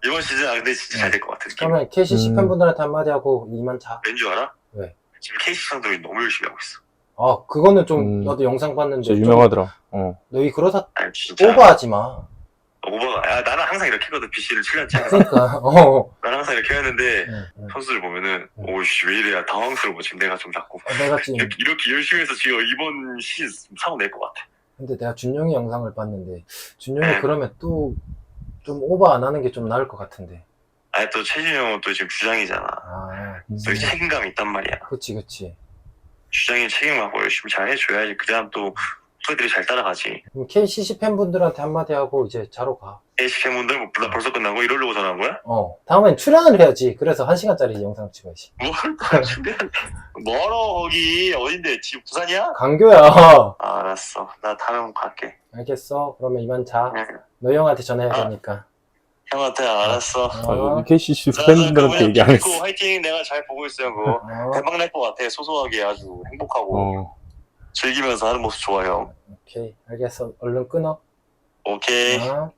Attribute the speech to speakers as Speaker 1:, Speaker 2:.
Speaker 1: 이번 시즌 근데 진짜 잘 될 것 같아. 느낌.
Speaker 2: 그러면 KCC 팬분들한테 한마디 하고 이만 자.
Speaker 1: 왠 줄 알아?
Speaker 2: 왜?
Speaker 1: 지금 KC 상들이 너무 열심히 하고 있어.
Speaker 2: 아, 그거는 좀 나도 영상 봤는데
Speaker 3: 진짜
Speaker 2: 좀
Speaker 3: 유명하더라.
Speaker 2: 너희 그러다
Speaker 1: 아니 진짜.
Speaker 2: 오버하지 마.
Speaker 1: 오버가. 야, 나는 항상 이렇게 했거든. BC를 7년째.
Speaker 2: 그러니까
Speaker 1: 나는 항상 이렇게 했는데
Speaker 2: 응.
Speaker 1: 선수들 보면은 오씨 왜 이래야 당황스러워. 지금 내가 좀 자꾸
Speaker 2: 내가 지금
Speaker 1: 이렇게 열심히 해서 지금 이번 시즌 상을 낼 것 같아.
Speaker 2: 근데 내가 준용이 영상을 봤는데 준용이 그러면 또 좀 오버 안 하는 게 좀 나을 것 같은데.
Speaker 1: 아니 또 최준영은 또 지금 주장이잖아.
Speaker 2: 아,
Speaker 1: 또 책임감이 있단 말이야.
Speaker 2: 그치.
Speaker 1: 주장이 책임하고 열심히 잘 해줘야지. 그다음 또 후배들이 잘 따라가지.
Speaker 2: 그럼 KCC 팬분들한테 한마디 하고 이제 자러 가.
Speaker 1: KC 팬분들 뭐 벌써 끝나고 이러려고 전화한 거야?
Speaker 2: 다음엔 출연을 해야지. 그래서 1시간짜리 영상 찍어야지.
Speaker 1: 뭘 준비한? 멀어 거기 어딘데? 지금 부산이야?
Speaker 2: 강교야.
Speaker 1: 알았어. 나 다음에 한번 갈게.
Speaker 2: 알겠어. 그러면 이만 자.
Speaker 1: 응.
Speaker 2: 너 형한테 전화해야 되니까.
Speaker 1: 형한테 알았어.
Speaker 3: KCC 팬분들한테 얘기 안 했어.
Speaker 1: 화이팅. 내가 잘 보고 있어요. 그거 대박 날 것 같아. 소소하게 아주 행복하고 즐기면서 하는 모습 좋아요.
Speaker 2: 오케이. 알겠어. 얼른 끊어.
Speaker 1: 오케이.